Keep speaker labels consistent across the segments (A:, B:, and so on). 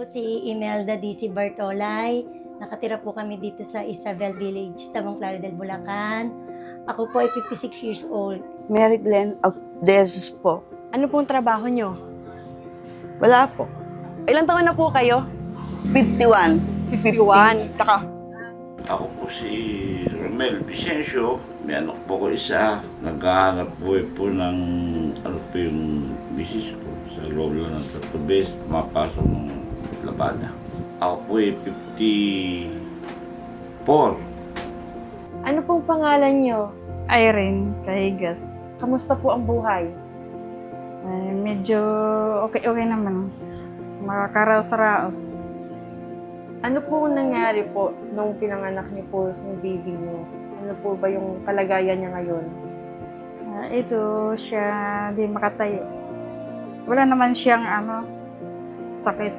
A: si Imelda DC Bartolay. Nakatira po kami dito sa Isabel Village, Tabang Claridel, Bulacan. Ako po ay 56 years old.
B: Mary Glenn of Desus po.
C: Ano pong trabaho nyo?
B: Wala po.
C: Ilang taon na po kayo?
B: 51.
C: 51.
B: Taka.
D: Ako po si Romel Vicencio. May anak po ko isa. Naghahanap buhay po ng ano po yung misis ko sa loob lang ng Tatubes. Mapasok ng labada. Ako po ay 54.
C: Ano pong pangalan nyo?
E: Irene Kaigas.
C: Kamusta po ang buhay?
E: Ay, medyo okay naman. Makakaraos-raos.
C: Ano po nangyari po nung pinanganak niyo po sa baby niyo? Ano po ba yung kalagayan niya ngayon?
E: Ito siya di makatayo. Wala naman siyang sakit.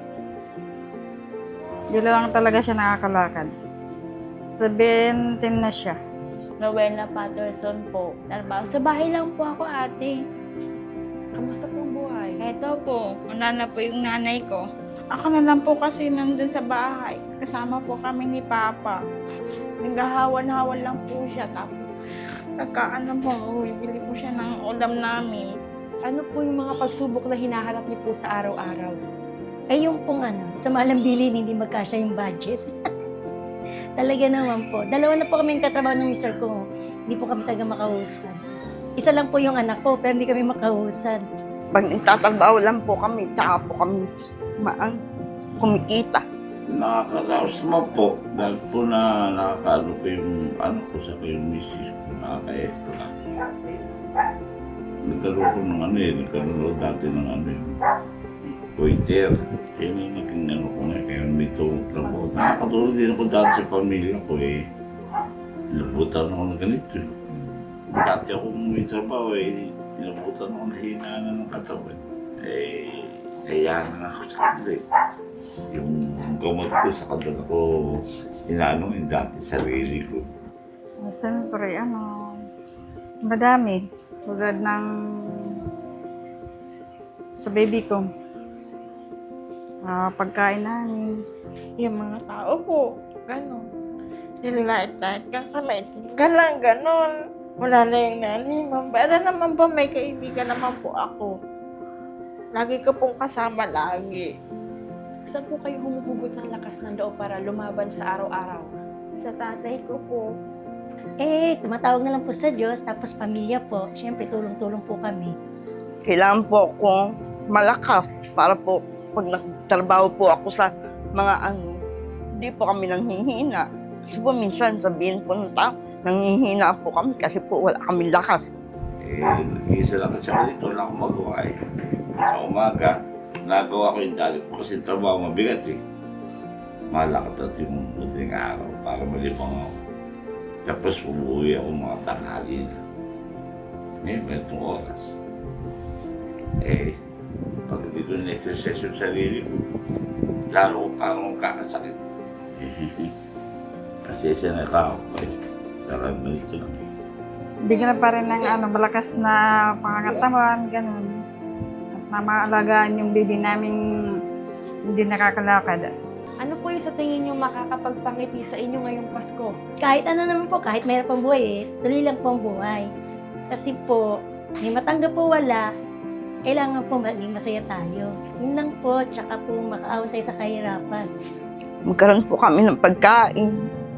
E: Di lang talaga siya nakakalakad. 17 na siya.
F: Rowena Patterson po. Trabaho. Sa bahay lang po ako, ate.
C: Kamusta po ang buhay?
F: Eto po, una na po yung nanay ko. Ako na lang po kasi nandun sa bahay. Kasama po kami ni Papa. Naghahawan-hawan lang po siya. Tapos, nagkaano po, bibili po siya ng ulam namin.
C: Ano po yung mga pagsubok na hinaharap niyo po sa araw-araw?
A: Ay yung pong sa malang bilin, hindi magkasya yung budget. Talaga naman po. Dalawa na po kami yung katrabaho ng mister ko. Hindi po kami talaga makahusan. Isa lang po yung anak ko, pero hindi kami makahusan.
B: Pag nagtatrabaho lang po kami, tsaka po kami kumikita.
D: Nakakaraos naman po. Dahil po na nakakaano ko yung ano ko sa yung misis ko. Nakaka-extra. Nagkaroon ko ng nagkaroon dati ng yung waiter. Yan ang naging ko nga, kaya may trabaho. Nakakatulong din ako dati sa pamilya ko Nilabutan ako ng ganito Dati ako may trabaho nilabutan ako na hinaanan ng katawan. Kaya na ako sa kanila Yung gamot ko sa kanila ko, inaano yung dati sarili ko.
E: Siyempre, madami. Tulad ng sa baby ko. Pagkain namin.
F: Yung mga tao po, gano'n. Nililait-lait ka, kamay ka lang, gano'n. Wala na yung nanay, ma'am. Pero naman po, may kaibigan naman po ako. Lagi ko pong kasama lagi.
C: Saan po kayo humuhugot ng lakas ng loob para lumaban sa araw-araw?
F: Sa tatay ko po.
A: Tumatawag na lang po sa Diyos, tapos pamilya po. Siyempre, tulong-tulong po kami.
B: Kailangan po akong malakas para po pag nagtrabaho po ako sa mga hindi po kami nanghihina. Kasi po minsan sabihin po ng tao, nanghihina po kami kasi po wala kami lakas.
D: Nag-iisa lang kasi ako dito, wala akong magawa Sa umaga, nagawa ko yung dali ko kasi trabaho mabigat Malakot at yung madaling araw para malibang ako. Tapos umuwi ako mga tanghali na. Ngayon, ganitong oras. Pag hindi ko na-exercise yung sarili ko, lalo ko parang kakasakit. Kasi siya nakakaw Saka ganito lang.
E: Bigyan pa rin ng malakas na pangangatawan, ganun. At na maalagaan yung baby namin hindi nakakalakad.
C: Ano po yung sa tingin niyo makakapagpangiti sa inyo ngayong Pasko?
A: Kahit ano naman po, kahit mayroon pang buhay tuloy lang po ang buhay. Kasi po, may matanggap po wala, kailangan po maging masaya tayo. Yun lang po, tsaka po makaahon tayo sa kahirapan.
B: Magkaroon po kami ng pagkain.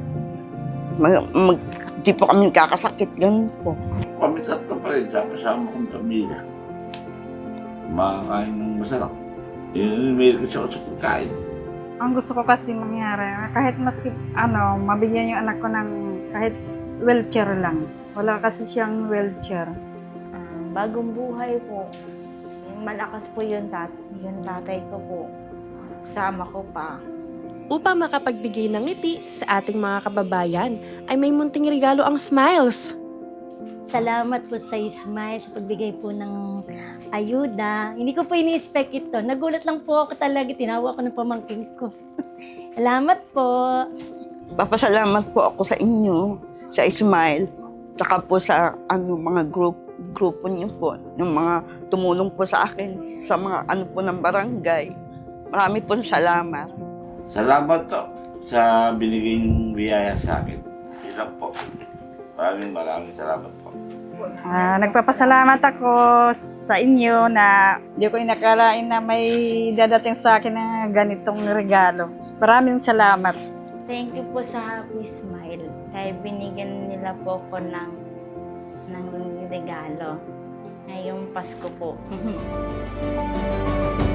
B: Di po kami kakasakit, ganun po.
D: Kami tatlo pa rin sa kasama kong pamilya. Makakain ng masarap. Yun, may kasi ako sa pagkain.
E: Ang gusto ko kasi mangyari, kahit maski, mabigyan yung anak ko ng kahit wheelchair lang. Wala kasi siyang wheelchair.
F: Bagong buhay po. Malakas po yung tatay ko po. Kasama ko pa.
C: Upang makapagbigay ng ngiti sa ating mga kababayan, ay may munting regalo ang Smiles.
A: Salamat po sa Smile sa pagbigay po ng ayuda. Hindi ko po ini-expect ito. Nagulat lang po ako talaga. Tinawag ko ng pamangkin ko. Salamat po.
B: Papasalamat po ako sa inyo, sa Smile, tsaka po sa mga grupo niyo po, yung mga tumulong po sa akin, sa mga po ng barangay. Marami pong salamat.
D: Salamat to sa binigay niyong biyaya sa akin. Yun lang po. Maraming salamat po.
E: Nagpapasalamat ako sa inyo na hindi ko inakalain na may dadating sa akin na ganitong regalo. Maraming salamat.
F: Thank you po sa Happy Smile. Kaya binigyan nila po ko ng regalo. Ngayong Pasko po.